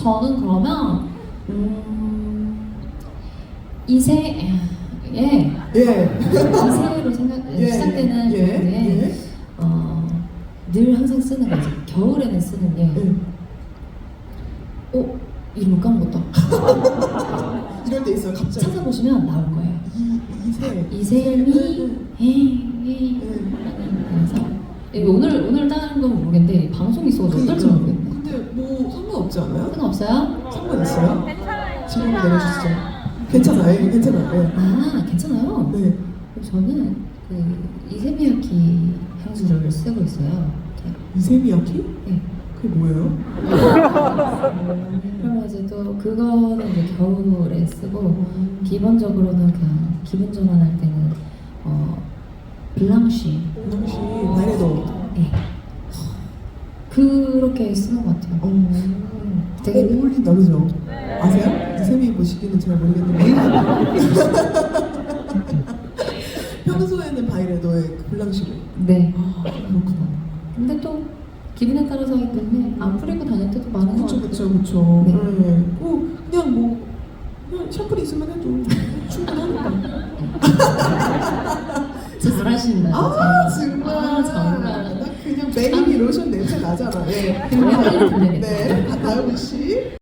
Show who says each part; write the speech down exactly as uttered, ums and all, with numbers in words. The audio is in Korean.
Speaker 1: 저는 그러면 음, 이세 예
Speaker 2: 예.
Speaker 1: 이세로 생각
Speaker 2: 예,
Speaker 1: 시작되는
Speaker 2: 예,
Speaker 1: 건데
Speaker 2: 예.
Speaker 1: 어, 늘 항상 쓰는 거지. 겨울에는 쓰는 게
Speaker 2: 예.
Speaker 1: 어? 이름을 까먹었다.
Speaker 2: 이럴 때 있어요, 갑자기.
Speaker 1: 찾아보시면 나올 거예요.
Speaker 2: 이, 이세.
Speaker 1: 이세미 헤이 그래서 이거 오늘 오늘 따는 건 모르겠는데 방송이 있어서 어떨지 모르겠네.
Speaker 2: 근데 뭐 상관없지 않아요?
Speaker 1: 상관없어요?
Speaker 2: 상관 있어요? 질문 내려주시죠. 괜찮아요, 예, 괜찮아요. 예.
Speaker 1: 아 괜찮아요.
Speaker 2: 네.
Speaker 1: 저는 그 이세미야키 향수를 쓰고 있어요. 이렇게.
Speaker 2: 이세미야키?
Speaker 1: 네.
Speaker 2: 그게 뭐예요?
Speaker 1: 그러면 이제 또 그거는 이제 겨울에 쓰고 기본적으로는 그냥 기분 전환할 때는 어 블랑쉬
Speaker 2: 혹시 바이레도.
Speaker 1: 네. 그렇게 쓰는 것 같아요.
Speaker 2: 어.
Speaker 1: 되게
Speaker 2: 어, 어울린다, 그죠? 아세요? 이세미 보시기는 잘 모르겠는데. 평소에는 바이레도의 그 블랑시로.
Speaker 1: 네.
Speaker 2: 아, 그렇구나.
Speaker 1: 근데 또 기분에 따라서 하기 때문에 안 뿌리고 다닐 때도 많은 것
Speaker 2: 그쵸,
Speaker 1: 같아요.
Speaker 2: 그쵸, 그쵸.
Speaker 1: 네.
Speaker 2: 네. 뭐, 그냥 뭐, 그냥 샴푸 있으면 해도 충분하니까.
Speaker 1: 잘하신다.
Speaker 2: 아, 정말.
Speaker 1: 아, 정말.
Speaker 2: 나 그냥 베이비 로션 냄새 나잖아. 예.
Speaker 1: 그냥 빨리 들려야겠다.
Speaker 2: 네, 다음 씨.